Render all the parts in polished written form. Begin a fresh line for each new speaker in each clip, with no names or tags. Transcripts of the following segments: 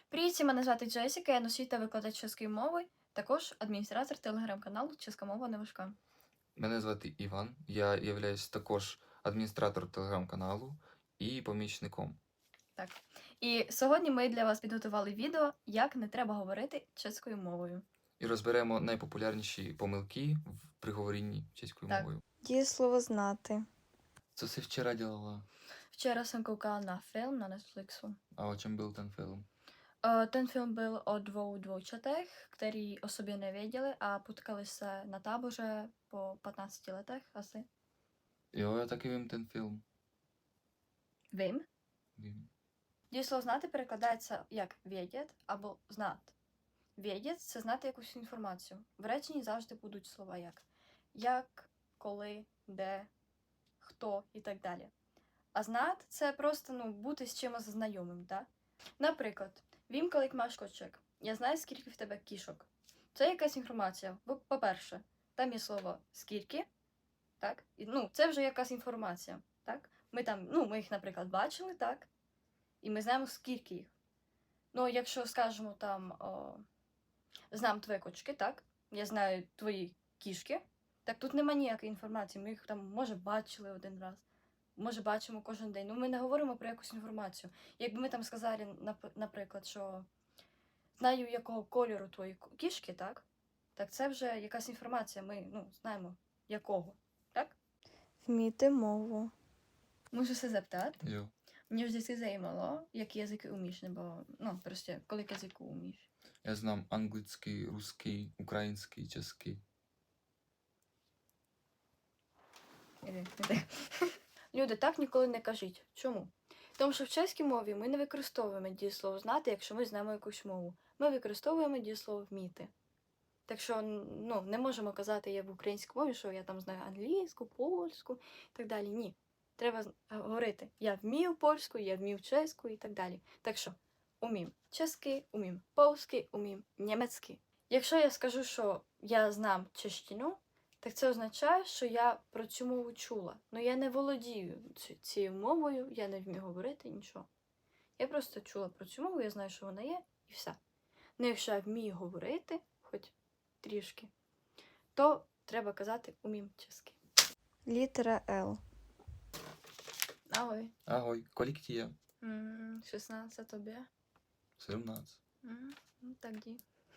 Привіт, всім, мене звати Джесіка, я носій та викладач чеської мови, також адміністратор телеграм-каналу «Чеська мова не важка».
Мене звати Іван, я являюсь також адміністратором телеграм-каналу і помічником.
Так. І сьогодні ми для вас підготували відео, як не треба говорити чеською мовою.
І розберемо найпопулярніші помилки при говорінні чеською
Так.
мовою.
Дієслово знати.
Що ти вчора робила?
Вчора jsem koukala na film na Netflixu.
А о чому був ten film?
Ten film byl o dvou dvojčatech, který o sobě nevěděli a potkali se na táboře po 15 letech asi.
Jo, я таки вим ten film.
Vím.
Вим.
Дієслово знати перекладається як «vědět» або «знати». «Vědět» – це знати якусь інформацію. В реченні завжди будуть слова як, коли, де, хто і так далі. А знати – це просто бути з чимось знайомим, так? Наприклад, «Vím, kolik máš koček». Я знаю, скільки в тебе кішок. Це якась інформація. По-перше, там є слово «скільки», так? Це вже якась інформація, так? Ми їх, наприклад, бачили, так? І ми знаємо, скільки їх. Ну, якщо скажемо знам твої кочки, так? Я знаю твої кішки. Так тут нема ніякої інформації. Ми їх там, може, бачили один раз, може, бачимо кожен день. Ми не говоримо про якусь інформацію. Якби ми там сказали, наприклад, що знаю, якого кольору твої кішки, так? Так це вже якась інформація. Ми, знаємо, якого, так?
Вміти мову.
Можу се zeptat?
Jo.
Mě vždycky zajímalo, jaký jazyky umíš, nebo prostě kolik jazyků umíš.
Я знам англійський, русський, український, чеський.
Іди. Люди, так ніколи не кажіть. Чому? Тому що в чеській мові ми не використовуємо дієслово знати, якщо ми знаємо якусь мову. Ми використовуємо дієслово вміти. Так що, не можемо казати я в українській мові, що я там знаю англійську, польську і так далі. Ні. Треба говорити, я вмію польську, я вмію чеську і так далі. Так що, умім чеський, умім польський, умім німецький. Якщо я скажу, що я знам чещину, так це означає, що я про цю мову чула. Я не володію цією мовою, я не вмію говорити, нічого. Я просто чула про цю мову, я знаю, що вона є, і все. Якщо я вмію говорити, хоч трішки, то треба казати умім чеський.
Літера Л.
Ahoj.
Агой, колік тіє?
16, а тобі?
17.
Так, ді.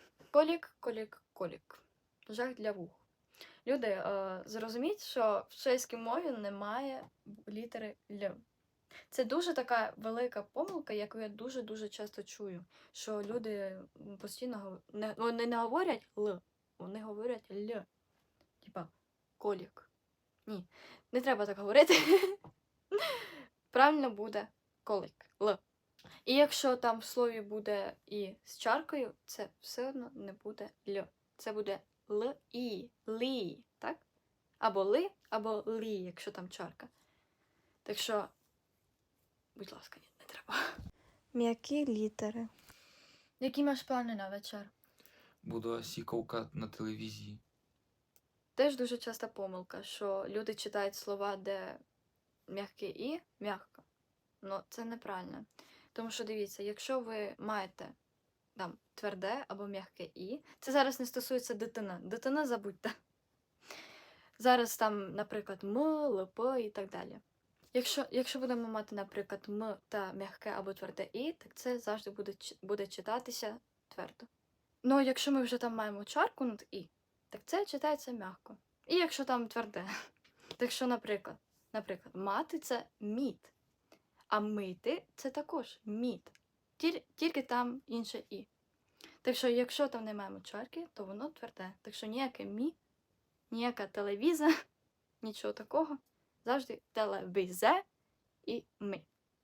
Колік. Жах для вух. Люди, зрозуміть, що в чеській мові немає літери Л. Це дуже така велика помилка, яку я дуже-дуже часто чую. Що люди постійно вони не говорять Л, вони говорять Л. Типа колік. Ні, не треба так говорити. Правильно буде колик, Л. І якщо там в слові буде і з чаркою, це все одно не буде Л. Це буде Л-І, лі, так? Або ли, або лі, якщо там чарка. Так що, будь ласка, ні, не треба.
М'які літери.
Які маєш плани на вечір?
Буду осі ковкати на телевізії.
Теж дуже часта помилка, що люди читають слова, де м'яке і м'ягко. Це неправильно. Тому що, дивіться, якщо ви маєте там тверде або м'яке і, це зараз не стосується дитина. Дитина забудьте. Зараз там, наприклад, м, лп і так далі. Якщо будемо мати, наприклад, м та м'яке або тверде і, так це завжди буде читатися твердо. Якщо ми вже там маємо чарку над і, так це читається м'яко. І якщо там тверде. Так що, наприклад, мати – це мід, а мити – це також мід. Тільки там інше і. Так що, якщо там не маємо чарки, то воно тверде. Так що ніяке мі, ніяка телевіза, нічого такого. Завжди телевізе і ми.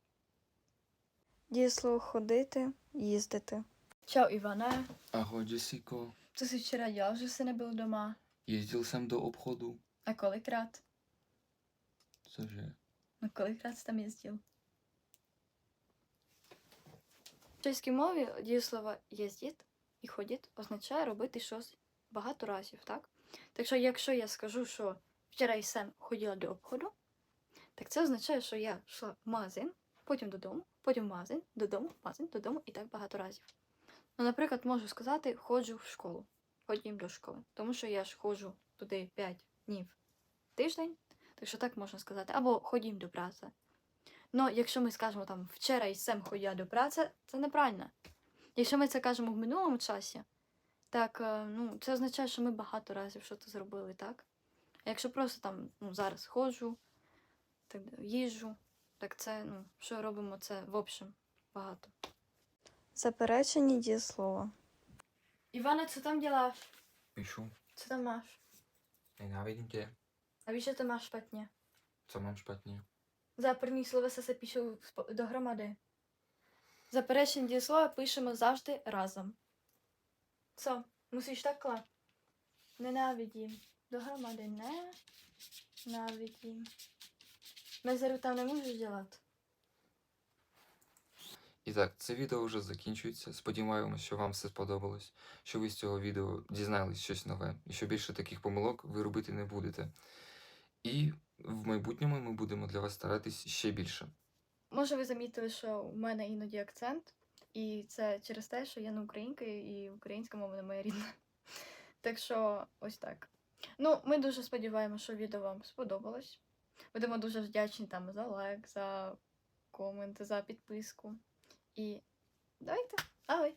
Дієслово ходити, їздити.
Čau, Ivane.
Ahoj, Jessico.
Co jsi včera dělal, že jsi nebyl doma?
Jezdil jsem do obchodu.
A kolikrát?
Cože?
Kolikrát jsi tam jezdil? В чеській мові дієслово «єздіт» і «ходіт» означає робити щось багато разів, так? Так що, якщо я скажу, що вчора я ходила до обходу, так це означає, що я йшла в магазин, потім додому, потім в магазин, додому і так багато разів. Ну, наприклад, можу сказати, ходжу в школу, ходім до школи, тому що я ж ходжу туди 5 днів в тиждень, так що так можна сказати, або ходім до праці. Ну, якщо ми скажемо там вчора і сем ходя до праці, це неправильно. Якщо ми це кажемо в минулому часі, так, ну, це означає, що ми багато разів щось зробили, так? А якщо просто там, ну, зараз ходжу, так їжджу, так це, ну, що робимо це в общем багато.
Заперечені дієслова.
Іване, co tam děláš?
Píšu.
Co tam máš?
Nenávidím tě.
A víš, že to máš špatně?
Co mám špatně?
Záporні слова se пишуть dohromady. Заперечені дієслова пишемо завжди разом. Co? Musíš takhle. Nenávidím. Dohromady ne. Návidím. Мезеру там не можеш dělat.
І так, це відео вже закінчується. Сподіваємося, що вам все сподобалось, що ви з цього відео дізнались щось нове, і що більше таких помилок ви робити не будете. І в майбутньому ми будемо для вас старатись ще більше.
Може, ви замітили, що у мене іноді акцент, і це через те, що я не українка, і українська мова не моя рідна. Так що ось так. Ну, ми дуже сподіваємося, що відео вам сподобалось. Будемо дуже вдячні там за лайк, за комент, за підписку. І давайте, агой!